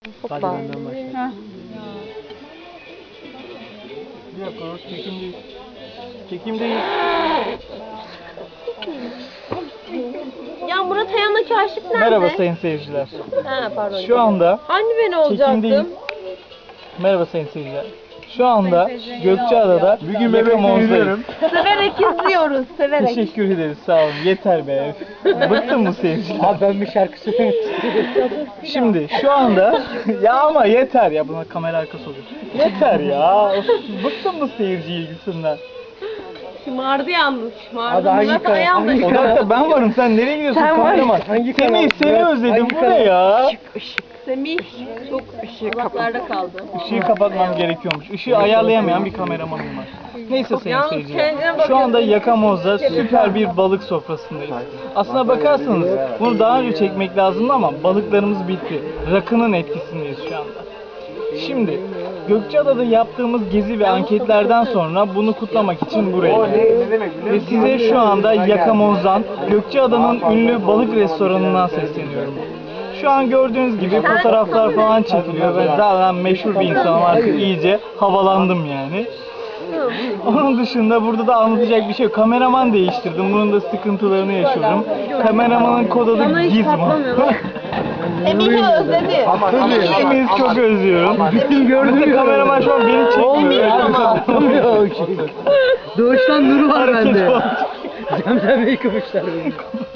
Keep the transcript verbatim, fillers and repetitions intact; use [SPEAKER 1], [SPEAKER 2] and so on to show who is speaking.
[SPEAKER 1] Hadi
[SPEAKER 2] Hoppa.
[SPEAKER 1] benden başla.
[SPEAKER 2] Heh.
[SPEAKER 1] Bir dakika, o çekim değil. Çekim değil.
[SPEAKER 2] Ya Murat Ayan'daki aşık nerede?
[SPEAKER 1] Merhaba sayın seyirciler.
[SPEAKER 2] Ha pardon.
[SPEAKER 1] Şu anda
[SPEAKER 2] Hani ben
[SPEAKER 1] çekimdeyiz.
[SPEAKER 2] olacaktım?
[SPEAKER 1] Merhaba sayın seyirciler. Şu anda Gökçeada'da
[SPEAKER 3] Bugün
[SPEAKER 1] Yaka
[SPEAKER 3] bebek
[SPEAKER 1] Monza'dayız.
[SPEAKER 3] izliyorum.
[SPEAKER 2] Severek izliyoruz, severek.
[SPEAKER 1] Teşekkür ederiz, sağ olun. Yeter be. Bıktın mı seyirciler?
[SPEAKER 3] Abi ben bir şarkı söylemek istiyorum.
[SPEAKER 1] Şimdi şu anda ya ama yeter ya, buna kamera arkası oluyor. Yeter ya. Of, bıktın mı seyirci ilgisinden?
[SPEAKER 2] Şımardı yalnız, şımardı.
[SPEAKER 3] Abi hangi
[SPEAKER 2] Murat
[SPEAKER 3] kanal-
[SPEAKER 2] Ayan da
[SPEAKER 3] hangi
[SPEAKER 1] O
[SPEAKER 2] şımardı.
[SPEAKER 1] dakika ben varım, sen nereye gidiyorsun
[SPEAKER 2] Sen var.
[SPEAKER 1] kameraman?
[SPEAKER 3] Hangi
[SPEAKER 1] Semih
[SPEAKER 3] kanal?
[SPEAKER 1] seni
[SPEAKER 3] Murat,
[SPEAKER 1] özledim,
[SPEAKER 3] hangi
[SPEAKER 1] bu
[SPEAKER 3] kanal?
[SPEAKER 1] ne ya?
[SPEAKER 2] Semih çok uzaklarda kaldı.
[SPEAKER 1] Işığı kapatmam gerekiyormuş. Işığı ayarlayamayan bir kameramanım var. Neyse sayın
[SPEAKER 2] Yalnız
[SPEAKER 1] seyirciler.
[SPEAKER 2] kendine
[SPEAKER 1] Şu
[SPEAKER 2] bakıyorsun.
[SPEAKER 1] anda Yakamoz'da süper bir balık sofrasındayız. Aslına bakarsanız bunu daha önce çekmek lazımdı ama balıklarımız bitti. Rakının etkisindeyiz şu anda. Şimdi Gökçeada'da yaptığımız gezi ve anketlerden sonra bunu kutlamak için buraya geldik. Ve size şu anda Yakamoz'dan, Gökçeada'nın ünlü balık restoranından sesleniyorum. Şu an gördüğünüz gibi fotoğraflar falan çekiliyor. Ben zaten meşhur bir insanım, artık iyice havalandım yani. Onun dışında burada da anlatacak bir şey yok. Kameraman değiştirdim. Bunun da sıkıntılarını yaşıyorum. Kameramanın kod adı
[SPEAKER 2] Bana hiç
[SPEAKER 1] Gizmo.
[SPEAKER 2] patlamıyor lan. Semih'i özledi.
[SPEAKER 1] İkimiz çok özlüyorum.
[SPEAKER 3] Gittim gördüm
[SPEAKER 1] Mesela
[SPEAKER 3] ya.
[SPEAKER 1] kameraman şu an beni çekmiyor.
[SPEAKER 3] Doğuştan nuru var
[SPEAKER 1] Hareket
[SPEAKER 3] bende.
[SPEAKER 1] var.
[SPEAKER 3] Zemzem Bey kıvışlar beni.